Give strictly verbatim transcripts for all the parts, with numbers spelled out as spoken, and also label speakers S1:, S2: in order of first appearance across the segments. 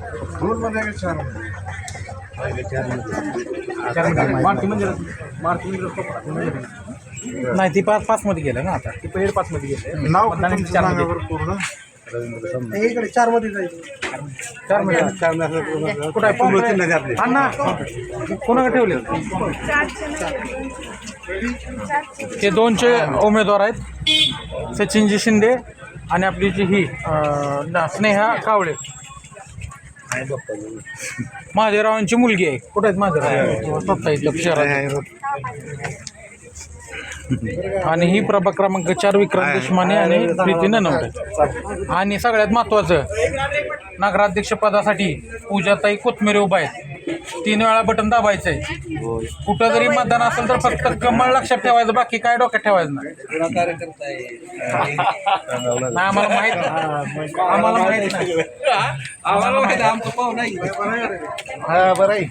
S1: दोन मध्ये आहे का चार मध्ये?
S2: मारुती मंदिरात मारुती मंदिरात नाही ती पाच पाच मध्ये गेलं ना आता ती पहिले पाच मध्ये गेले
S1: नाव
S2: मतदानाची
S1: तुमचं
S2: चार
S1: सांगा
S2: मध्ये
S1: बरं पूर्ण.
S2: इकडे चार मध्ये जायचं चार मध्ये कुठं आहे अण्णा कोणाकडे ठेवले हे दोनचे उमेदवार आहेत सचिनजी शिंदे आणि आपली जी ही अं, स्नेहा कावळे महादेवरावांची मुलगी आहे कुठे आहेत महादेवराव स्वतः इथं शहरात आणि ही प्रभाग क्रमांक चार विक्रम देशमाने आणि प्रीती ननवडे आणि सगळ्यात महत्त्वाचं नगराध्यक्षपदासाठी पूजाताई कोथमिरे उभा आहेत तीन वेळा बटन दाबायचं आहे कुठं जरी मतदान असेल तर फक्त कमळ लक्षात ठेवायचं बाकी काय डोक्यात ठेवायचं नाही नाही, आम्हाला माहित नाही आम्हाला माहित नाही आम्हाला माहित आहे आमचं पाहू नाही
S1: हा बरं आहे.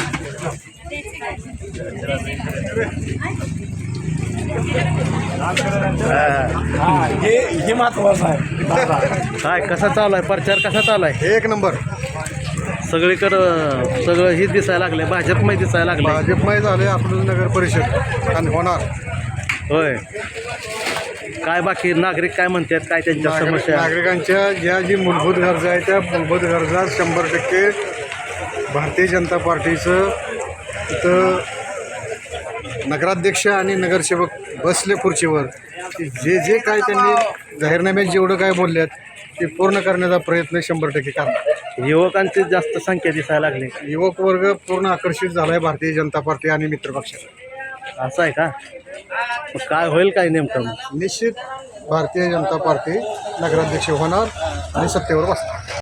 S2: हे हे महत्वाचं आहे
S3: काय कसा चालू आहे प्रचार कसा चालू आहे
S1: एक नंबर.
S3: सगळीकडं सगळं हे दिसायला लागले भाजपमय दिसायला लागले
S1: भाजपमय झाले आपलं नगर परिषद आणि होणार.
S3: होय काय बाकी नागरिक काय म्हणतात काय त्यांच्या
S1: नागरिक-
S3: समस्या
S1: नागरिकांच्या ज्या जी मूलभूत गरजा आहेत त्या मूलभूत गरजा शंभर टक्के भारतीय जनता पार्टीचं इथं नगराध्यक्ष आणि नगरसेवक बसले खुर्चीवर की जे जे काय त्यांनी जाहीरनाम्यात जेवढं काय बोलल्यात ते पूर्ण करण्याचा प्रयत्न शंभर टक्के करणार.
S3: युवकांची जास्त संख्या दिसायला लागली
S1: युवक वर्ग पूर्ण आकर्षित झाला आहे भारतीय जनता पार्टी आणि मित्रपक्षाला.
S3: असं आहे का मग काय होईल काय नेमकं
S1: निश्चित भारतीय जनता पार्टी नगराध्यक्ष होणार आणि सत्तेवर बसणार.